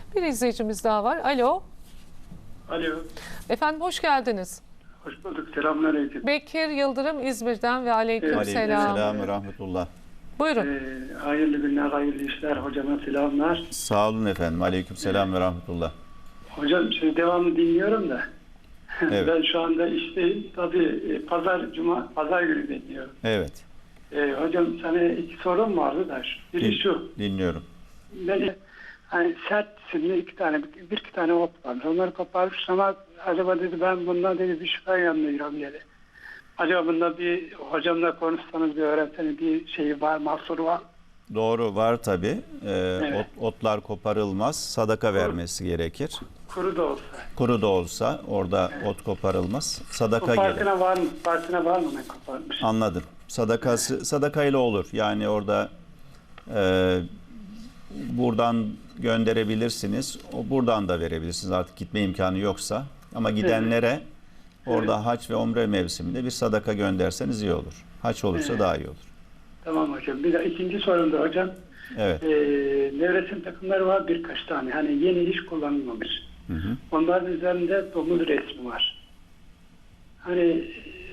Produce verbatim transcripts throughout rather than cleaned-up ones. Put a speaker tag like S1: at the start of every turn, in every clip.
S1: Bir izleyicimiz daha var. Alo.
S2: Alo.
S1: Efendim hoş geldiniz.
S2: Hoş bulduk. Selamünaleyküm.
S1: Bekir Yıldırım İzmir'den ve aleyküm
S2: Evet.
S1: selam.
S3: Aleykümselam ve rahmetullah.
S1: Buyurun.
S2: Ee, hayırlı günler, hayırlı işler. Hocama selamlar.
S3: Sağ olun efendim. Aleykümselam ve rahmetullah.
S2: Hocam şimdi devamlı dinliyorum da.
S3: Evet.
S2: Ben şu anda işteyim. Tabii e, pazar, cuma, pazar günü dinliyorum.
S3: Evet.
S2: Ee, hocam sana iki sorum vardı da. Biri
S3: Din-
S2: şu.
S3: Dinliyorum.
S2: Ben hani sert isimli iki tane, bir iki tane ot var. Onları koparmış ama acaba dedi ben bundan dedi bir şüphe yanılıyorum dedi. Acaba bunda bir hocamla konuşsanız bir öğrenseniz bir şeyi var, mahsuru var.
S3: Doğru var tabii. Ee,
S2: Evet.
S3: ot- otlar koparılmaz. Sadaka vermesi gerekir.
S2: Kuru da olsa.
S3: Kuru da olsa orada ot koparılmaz.
S2: Bu
S3: Sadaka gelir.
S2: farkına var mı? Farkına var mı ne koparmış?
S3: Anladım. Sadakası sadakayla olur. Yani orada e, buradan gönderebilirsiniz. O buradan da verebilirsiniz. Artık gitme imkanı yoksa. Ama gidenlere orada hac ve umre mevsiminde bir sadaka gönderseniz iyi olur. Hac olursa
S2: Evet.
S3: daha iyi olur.
S2: Tamam hocam. Bir de ikinci sorum da hocam.
S3: Evet.
S2: Ee, nevresim takımları var birkaç tane. Hani yeni hiç kullanılmamış.
S3: Hı hı.
S2: Onların üzerinde domuz resmi var. Hani e,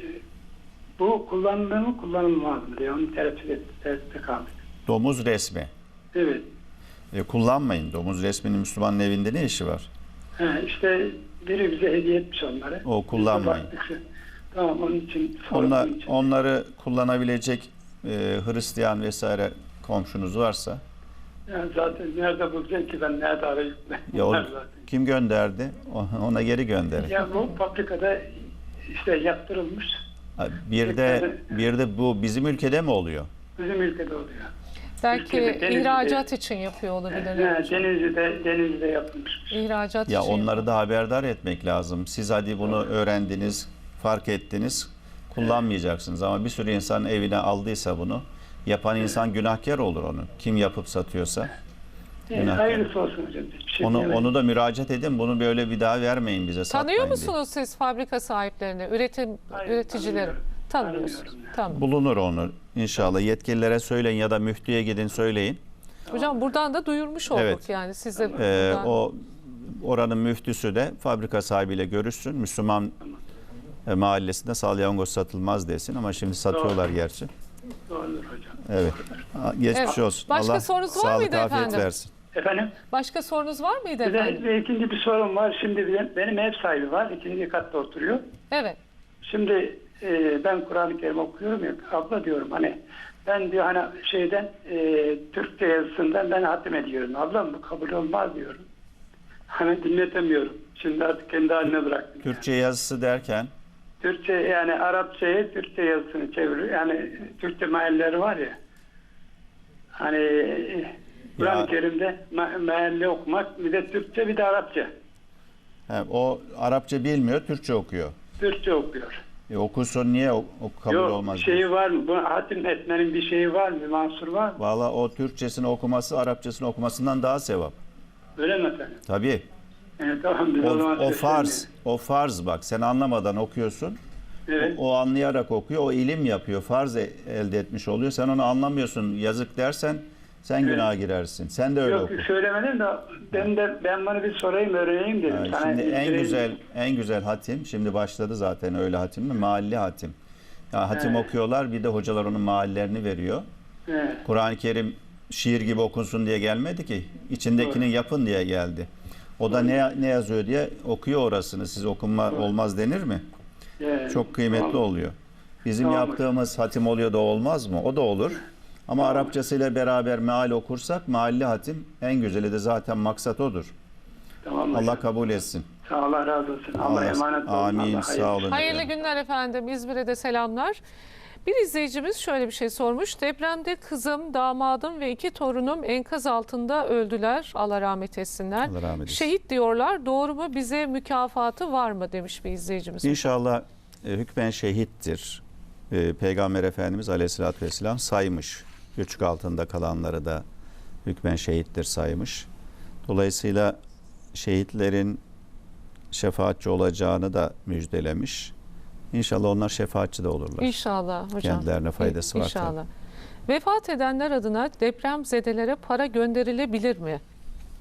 S2: bu kullanılır mı kullanılmaz mı diye onu tereddüt et- tereddütte kaldık.
S3: Domuz resmi.
S2: Evet.
S3: E, kullanmayın. Domuz resminin Müslümanın evinde ne işi var?
S2: He, işte biri bize hediye etmiş onları.
S3: O kullanmayın.
S2: Biz de baktık. Tamam onun için.
S3: Onlar,
S2: sorduğum için.
S3: onları kullanabilecek e, Hristiyan vesaire komşunuz varsa
S2: Yani zaten nerede bulacağım ki ben nerede arayıp
S3: ya o,
S2: Var zaten.
S3: kim gönderdi? O- Ona geri gönderin.
S2: Ya bu fabrikada işte yaptırılmış.
S3: Ha, Bir de bir de bu bizim ülkede mi oluyor?
S2: Bizim ülkede oluyor.
S1: Belki
S2: Ülkede, Denizli'de-
S1: ihracat için yapıyor olabilirler.
S2: Yani
S1: hocam.
S2: Denizli'de, Denizli'de yapılmış.
S1: İhracat
S3: Ya
S1: için
S3: onları da haberdar etmek lazım. Siz hadi bunu öğrendiniz, fark ettiniz, kullanmayacaksınız. Ama bir sürü insan evine aldıysa bunu, yapan insan günahkar olur onu. Kim yapıp satıyorsa.
S2: Yani
S3: Günah
S2: hayırlısı olsun hocam. Bir şey
S3: Onu
S2: diyemedim.
S3: onu da müracaat edin. Bunu böyle bir daha vermeyin bize.
S1: Tanıyor
S3: satmayın
S1: musunuz siz fabrika sahiplerini, üretim
S2: Hayır,
S1: üreticileri?
S2: tanımıyorum.
S1: Tanımıyorsunuz.
S2: Tanımıyorum
S1: Tamam.
S3: diye. Bulunur onu inşallah. Yetkililere söyleyin ya da müftüye gidin söyleyin.
S1: Hocam buradan da duyurmuş olduk
S3: Evet.
S1: yani siz de
S3: Ee,
S1: buradan-
S3: o oranın müftüsü de fabrika sahibiyle görüşsün. Müslüman e, mahallesinde salyangoz satılmaz desin ama şimdi satıyorlar gerçi.
S2: Doğrudur hocam.
S3: Evet. Ha, Geçmiş
S1: Evet.
S3: olsun.
S1: Başka
S3: Allah
S1: sorunuz var
S3: sağlık
S1: mıydı
S3: afiyet
S1: efendim?
S3: versin.
S2: Efendim?
S1: Başka sorunuz var mıydı
S2: Bir de
S1: efendim?
S2: bir ikinci bir sorum var. Şimdi benim, benim ev sahibi var. İkinci katta oturuyor.
S1: Evet.
S2: Şimdi e, ben Kur'an-ı Kerim okuyorum ya. Abla diyorum hani ben diyor hani şeyden e, Türkçe yazısından ben hatim ediyorum. Ablam bu kabul olmaz diyorum. Hani dinletemiyorum. Şimdi artık kendi haline bıraktım.
S3: Türkçe yazısı derken
S2: Türkçe yani Arapçayı Türkçe yazısını çeviriyor. Yani Türkçe mealleri var ya. Hani e, Kur'an-ı
S3: Ya.
S2: Kerim'de me- mealli okumak bir de Türkçe bir de Arapça.
S3: he, o Arapça bilmiyor, Türkçe okuyor.
S2: Türkçe okuyor.
S3: E, okusun niye o, o kabul
S2: Yok
S3: olmaz?
S2: şeyi
S3: diyorsun?
S2: var mı? Bu hatim etmenin bir şeyi var mı? Bir mahsur var mı?
S3: Valla o Türkçesini okuması Arapçasını okumasından daha sevap.
S2: Öyle mi efendim?
S3: Tabii.
S2: Evet, tamam biz
S3: O,
S2: o zaman
S3: o
S2: seslenmeyelim.
S3: farz. O farz bak. Sen anlamadan okuyorsun.
S2: Evet.
S3: O anlayarak okuyor. O ilim yapıyor. Farz e- elde etmiş oluyor. Sen onu anlamıyorsun. Yazık dersen sen
S2: Evet.
S3: günaha girersin. Sen de öyle
S2: Yok
S3: oku.
S2: söylemedim de ben de ben bunu bir sorayım öğreneyim dedim.
S3: Yani
S2: Sana
S3: şimdi en
S2: bildireyim.
S3: güzel en güzel hatim şimdi başladı zaten öyle hatim mi? Mahalli hatim. Ya hatim
S2: Evet.
S3: okuyorlar bir de hocalar onun mahallerini veriyor.
S2: Evet.
S3: Kur'an-ı Kerim şiir gibi okunsun diye gelmedi ki. İçindekini
S2: Doğru.
S3: yapın diye geldi. O da ne ne yazıyor diye okuyor orasını. Siz okunma olmaz denir mi?
S2: Evet.
S3: Çok kıymetli
S2: Tamam.
S3: oluyor. Bizim
S2: Tamam.
S3: yaptığımız hatim oluyor da olmaz mı? O da olur. Ama Arapçasıyla beraber meal okursak mahalli hatim en güzeli de zaten maksat odur.
S2: Tamam
S3: Allah
S2: hocam.
S3: kabul etsin.
S2: Sağ ol, Allah razı olsun. Allah,
S3: Allah-
S2: emanet olun.
S3: Amin,
S2: Allah
S3: sağ
S2: hayırlı-
S3: olun.
S1: Hayırlı
S3: efendim.
S1: günler efendim. İzmir'e de selamlar. Bir izleyicimiz şöyle bir şey sormuş. Depremde kızım, damadım ve iki torunum enkaz altında öldüler. Allah rahmet etsinler.
S3: Allah rahmet etsin.
S1: Şehit diyorlar. Doğru mu? Bize mükafatı var mı demiş bir izleyicimiz.
S3: İnşallah e, hükmen şehittir. E, Peygamber Efendimiz Aleyhisselatü Vesselam saymış. Göçük altında kalanları da hükmen şehittir saymış. Dolayısıyla şehitlerin şefaatçi olacağını da müjdelemiş. İnşallah onlar şefaatçi de olurlar.
S1: İnşallah hocam.
S3: Kendilerine faydası var
S1: İnşallah. Vefat edenler adına depremzedelere para gönderilebilir mi?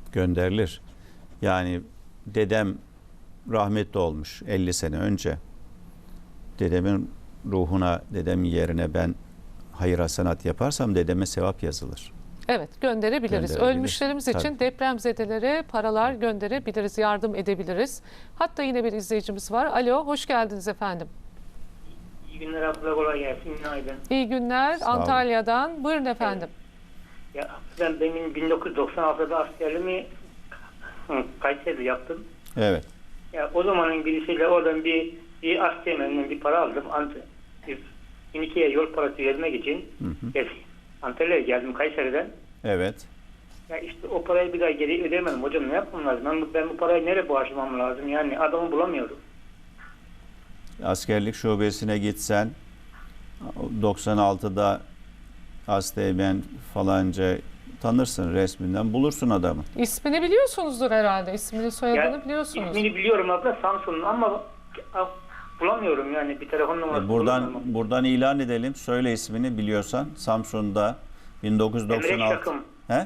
S3: Gönderilir. Yani dedem rahmetli olmuş elli sene önce. Dedemin ruhuna, dedemin yerine ben hayır hasenat yaparsam dedeme sevap yazılır.
S1: Evet, gönderebiliriz.
S3: Gönderebilir.
S1: Ölmüşlerimiz için
S3: Tabii.
S1: depremzedelere paralar gönderebiliriz, yardım edebiliriz. Hatta yine bir izleyicimiz var. Alo, hoş geldiniz efendim.
S4: İyi günler abla, kolay gelsin. Günaydın.
S1: İyi günler
S3: Sağ olun.
S1: Antalya'dan. Buyurun efendim.
S4: Ya ben benim bin dokuz yüz doksan altıda askerliğimi hı, Kayseri'de yaptım.
S3: Evet.
S4: Ya o zamanın birisiyle oradan bir bir askerliğinden bir para aldım. Ant Finike'ye yol parası vermek için hı hı. Antalya'ya geldim Kayseri'den.
S3: Evet.
S4: Ya işte o parayı bir daha geri ödemedim. Hocam ne yapmam lazım? Ben, bu- ben bu parayı nereye bağışlamam lazım? Yani adamı bulamıyorum.
S3: Askerlik şubesine gitsen doksan altıda Asteğmen falanca tanırsın, resminden bulursun adamı.
S1: İsmini biliyorsunuzdur herhalde. İsmini, soyadını
S4: Ya,
S1: biliyorsunuz.
S4: ismini biliyorum abla, Samsun'un, ama a- bulamıyorum yani, bir telefon numarası
S3: E buradan
S4: bulamıyorum.
S3: buradan ilan edelim. Söyle ismini biliyorsan. Samsun'da bin dokuz yüz doksan altı.
S4: Emre Şakım.
S3: He?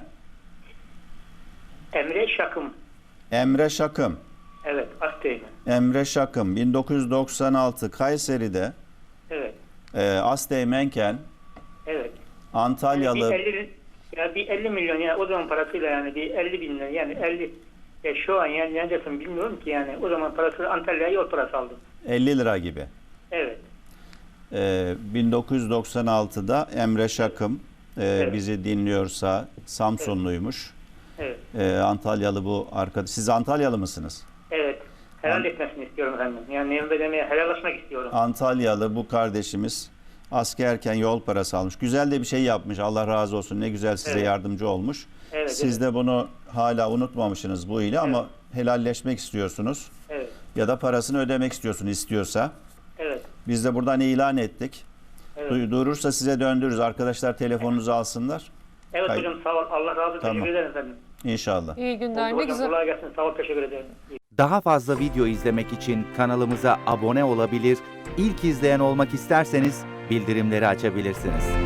S4: Emre Şakım.
S3: Emre Şakım.
S4: Evet, Asteğmen.
S3: Emre Şakım bin dokuz yüz doksan altı Kayseri'de
S4: Evet.
S3: e, Asteğmenken
S4: Evet.
S3: Antalyalı
S4: Yani bir elli, ya bir elli milyon, yani o zaman parasıyla yani bir elli bin lira, yani elli, ya şu an yani neredesin bilmiyorum ki, yani o zaman parası Antalya'ya yol parası aldım.
S3: elli lira gibi.
S4: Evet.
S3: E, bin dokuz yüz doksan altıda Emre Şakım e,
S4: Evet.
S3: bizi dinliyorsa Samsunluymuş.
S4: Evet.
S3: E, Antalyalı bu arkadaş. Siz Antalyalı mısınız?
S4: Evet. Helal
S3: An-
S4: etmesini istiyorum efendim. Yani Emre demeye helallaşmak istiyorum.
S3: Antalyalı bu kardeşimiz askerken yol parası almış. Güzel de bir şey yapmış. Allah razı olsun. Ne güzel size
S4: Evet.
S3: yardımcı olmuş.
S4: Evet,
S3: Siz de bunu hala unutmamışsınız bu ile ama helalleşmek istiyorsunuz.
S4: Evet.
S3: Ya da parasını ödemek istiyorsun istiyorsa.
S4: Evet.
S3: Biz de buradan ilan ettik.
S4: Evet.
S3: Du- Durursa size döndürürüz. Arkadaşlar telefonunuzu alsınlar.
S4: Evet
S3: Hayır.
S4: hocam, sağ ol. Allah razı olsun.
S3: Tamam.
S4: Teşekkür ederim efendim.
S3: İnşallah.
S1: İyi günler.
S4: Oldu
S1: Ne
S4: hocam,
S1: güzel.
S4: kolay gelsin. Sağ ol. Teşekkür ederim.
S5: Daha fazla video izlemek için kanalımıza abone olabilir, ilk izleyen olmak isterseniz bildirimleri açabilirsiniz.